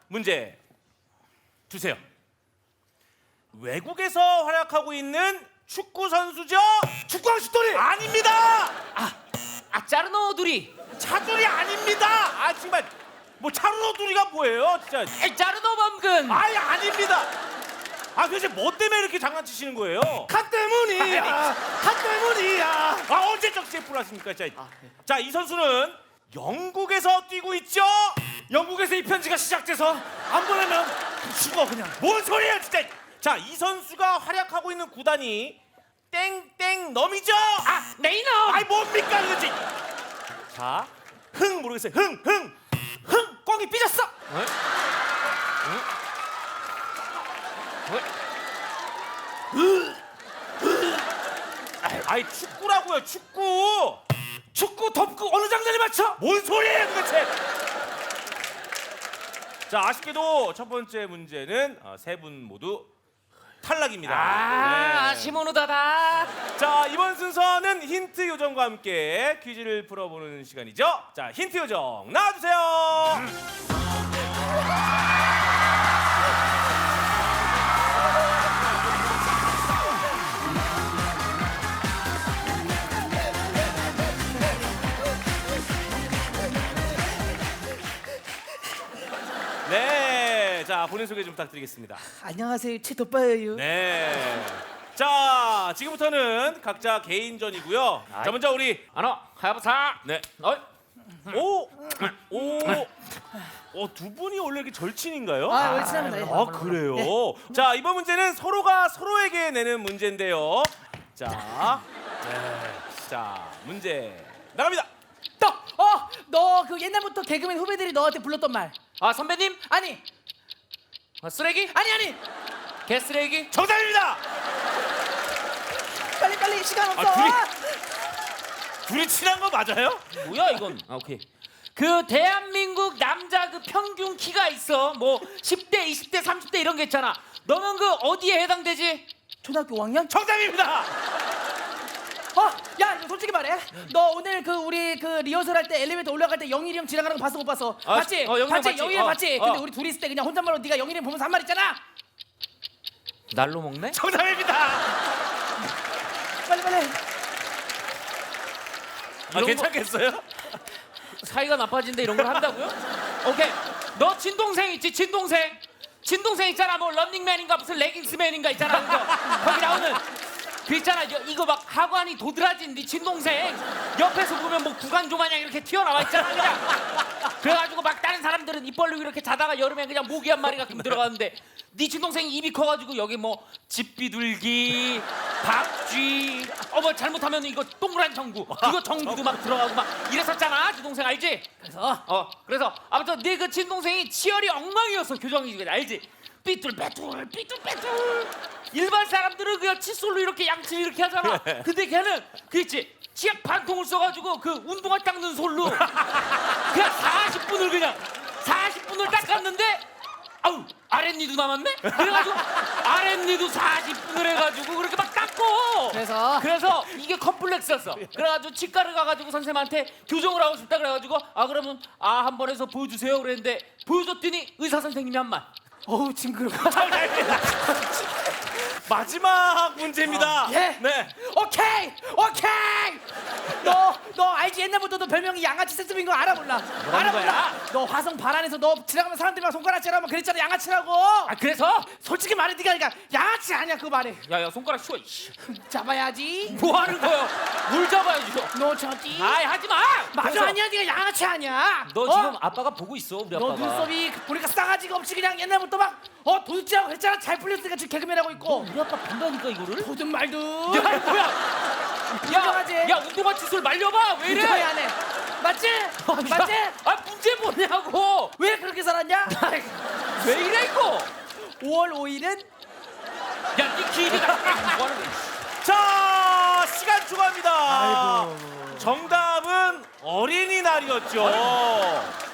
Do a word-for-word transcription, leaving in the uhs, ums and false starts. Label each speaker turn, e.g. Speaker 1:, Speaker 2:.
Speaker 1: 문제 주세요. 외국에서 활약하고 있는 축구 선수죠?
Speaker 2: 축구왕 슛돌이
Speaker 1: 아닙니다.
Speaker 3: 아 짜르노두리.
Speaker 1: 차두리 아닙니다. 아 정말 뭐 차루노두리가 뭐예요, 진짜?
Speaker 3: 에 짜르노 범근.
Speaker 1: 아예 아닙니다. 아 도대체 뭐 때문에 이렇게 장난치시는 거예요?
Speaker 2: 카 때문이야. 카 때문이야.
Speaker 1: 아 언제적 제프를 하십니까, 진짜? 자, 이 선수는 영국에서 뛰고 있죠?
Speaker 2: 영국에서 이 편지가 시작돼서 안 보내면 죽어 그냥.
Speaker 1: 뭔 소리예요, 진짜? 자, 이 선수가 활약하고 있는 구단이 땡땡 넘이죠?
Speaker 3: 아 네이너.
Speaker 1: 아이 뭡니까 그거지? 자, 흥 모르겠어요. 흥, 흥, 흥, 꽁이 삐졌어.
Speaker 3: 어?
Speaker 1: 아이 축구라고요, 축구.
Speaker 2: 축구 덮고 어느 장단에 맞춰?
Speaker 1: 뭔 소리예요, 도대체? 자, 아쉽게도 첫 번째 문제는 어, 세 분 모두 탈락입니다.
Speaker 3: 아
Speaker 1: 네.
Speaker 3: 시모노다다.
Speaker 1: 자, 이번 순서는 힌트 요정과 함께 퀴즈를 풀어보는 시간이죠. 자, 힌트 요정 나와주세요. 네, 자 본인 소개 좀 부탁드리겠습니다.
Speaker 4: 안녕하세요, 최도빠예요.
Speaker 1: 네. 자, 지금부터는 각자 개인전이고요. 자, 먼저 우리
Speaker 3: 아노 하야부사.
Speaker 1: 네.
Speaker 3: 어이.
Speaker 1: 오, 오, 어, 두 분이 원래 이렇게 절친인가요?
Speaker 4: 아, 월치합니다. 예.
Speaker 1: 아, 그래요? 자, 이번 문제는 서로가 서로에게 내는 문제인데요. 자, 네. 자, 문제 나갑니다.
Speaker 4: 또, 어, 너 그 옛날부터 개그맨 후배들이 너한테 불렀던 말.
Speaker 3: 아 선배님.
Speaker 4: 아니,
Speaker 3: 아, 쓰레기.
Speaker 4: 아니, 아니.
Speaker 3: 개쓰레기.
Speaker 1: 정답입니다.
Speaker 4: 빨리 빨리 시간 없어.
Speaker 1: 아, 둘이 둘이 친한 거 맞아요?
Speaker 3: 뭐야 이건? 아 오케이. 그 대한민국 남자 그 평균 키가 있어. 뭐 십 대, 이십 대, 삼십 대 이런 게 있잖아. 너는 그 어디에 해당되지?
Speaker 4: 초등학교 오 학년?
Speaker 1: 정답입니다.
Speaker 4: 어, 야, 너 솔직히 말해. 너 오늘 그 우리 그 리허설 할 때 엘리베이터 올라갈 때 영일이 형 지나가는 거 봤어 못 봤어?
Speaker 3: 아,
Speaker 4: 봤지?
Speaker 3: 어, 영일이 형
Speaker 4: 봤지?
Speaker 3: 봤지?
Speaker 4: 영일이 형
Speaker 3: 어,
Speaker 4: 봤지?
Speaker 3: 어.
Speaker 4: 근데 우리 둘이 있을 때 그냥 혼잣말로 네가 영일이 형 보면서 한 말 있잖아.
Speaker 3: 날로 먹네?
Speaker 1: 정답입니다.
Speaker 4: 빨리 빨리.
Speaker 1: 아,
Speaker 3: 이런
Speaker 1: 괜찮겠어요?
Speaker 3: 사이가 나빠진데 이런 걸 한다고요? 오케이. 너 친동생 있지? 친동생. 친동생 있잖아. 뭐 런닝맨인가 무슨 레깅스맨인가 있잖아. 그죠? 거기 나오는 그 있잖아. 여- 이거 막 하관이 도드라진 네 친동생. 옆에서 보면 뭐 구간조 마냥 이렇게 튀어나와 있잖아. 그냥. 그래가지고 막 다른 사람들은 입 벌리고 이렇게 자다가 여름에 그냥 모기 한 마리 가끔 들어가는데 네 친동생이 입이 커가지고 여기 뭐 집비둘기, 박쥐, 어 뭐 잘못하면 이거 동그란 정구, 이거 정구도 막 들어가고 막 이랬었잖아. 친동생 알지?
Speaker 4: 그래서
Speaker 3: 어 그래서 아무튼 네 그 친동생이 치열이 엉망이었어. 교정이 알지? 삐뚤빼뚤 삐뚤빼뚤. 일반 사람들은 그냥 칫솔로 이렇게 양치 이렇게 하잖아. 근데 걔는 그 있지 치약 반통을 써가지고 그 운동화 닦는 솔로 그냥 사십 분을 그냥 사십 분을 닦았는데 아우 아랫니도 남았네? 그래가지고 아랫니도 사십 분을 해가지고 그렇게 막 닦고
Speaker 4: 그래서?
Speaker 3: 그래서 이게 컴플렉스였어. 그래가지고 치과를 가가지고 선생님한테 교정을 하고 싶다 그래가지고 아 그러면 아 한 번 해서 보여주세요 그랬는데 보여줬더니 의사 선생님이 한 말.
Speaker 4: 어우 징그러.
Speaker 1: 마지막 문제입니다.
Speaker 4: 예.
Speaker 1: 네.
Speaker 4: 오케이, 오케이. 너, 너 알지? 옛날부터 너 별명이 양아치 세습인 거 알아 몰라? 알아
Speaker 3: 거야?
Speaker 4: 몰라? 너 화성 발안에서 너 지나가면 사람들이랑 손가락질하면 그랬잖아, 양아치라고.
Speaker 3: 아 그래서
Speaker 4: 솔직히 말해, 네가 그러니까 양아치 아니야 그거 말해.
Speaker 3: 야야 손가락 쉬어. 이씨.
Speaker 4: 잡아야지.
Speaker 3: 뭐 하는 거야? 뭘 잡아야지?
Speaker 4: 너 저기.
Speaker 3: 아이 하지 마.
Speaker 4: 맞아
Speaker 3: 그래서
Speaker 4: 아니야, 네가 양아치 아니야.
Speaker 3: 너
Speaker 4: 어?
Speaker 3: 지금 아빠가 보고 있어 우리
Speaker 4: 너
Speaker 3: 아빠가.
Speaker 4: 눈썹이 보니까 싸가지가 없이 그냥 옛날부터 막 어 도둑질하고 그랬잖아. 잘 풀렸으니까 지금 개그맨 하고 있고.
Speaker 3: 우리 아빠 본다니까 이거를.
Speaker 4: 도둑 말도.
Speaker 3: 야 뭐야?
Speaker 4: 인정하지?
Speaker 3: 야, 야 운동화 칫솔 말려봐. 왜 이래?
Speaker 4: 인정해 안 해. 맞지? 맞지?
Speaker 3: 아 문제 뭐냐고.
Speaker 4: 왜 그렇게 살았냐?
Speaker 3: 왜 이래 이거?
Speaker 4: 오월 오일은
Speaker 3: 야네 길이가 뭐 하는 거야?
Speaker 1: 자, 시간 추가합니다.
Speaker 4: 아이고.
Speaker 1: 정답은 어린이날이었죠.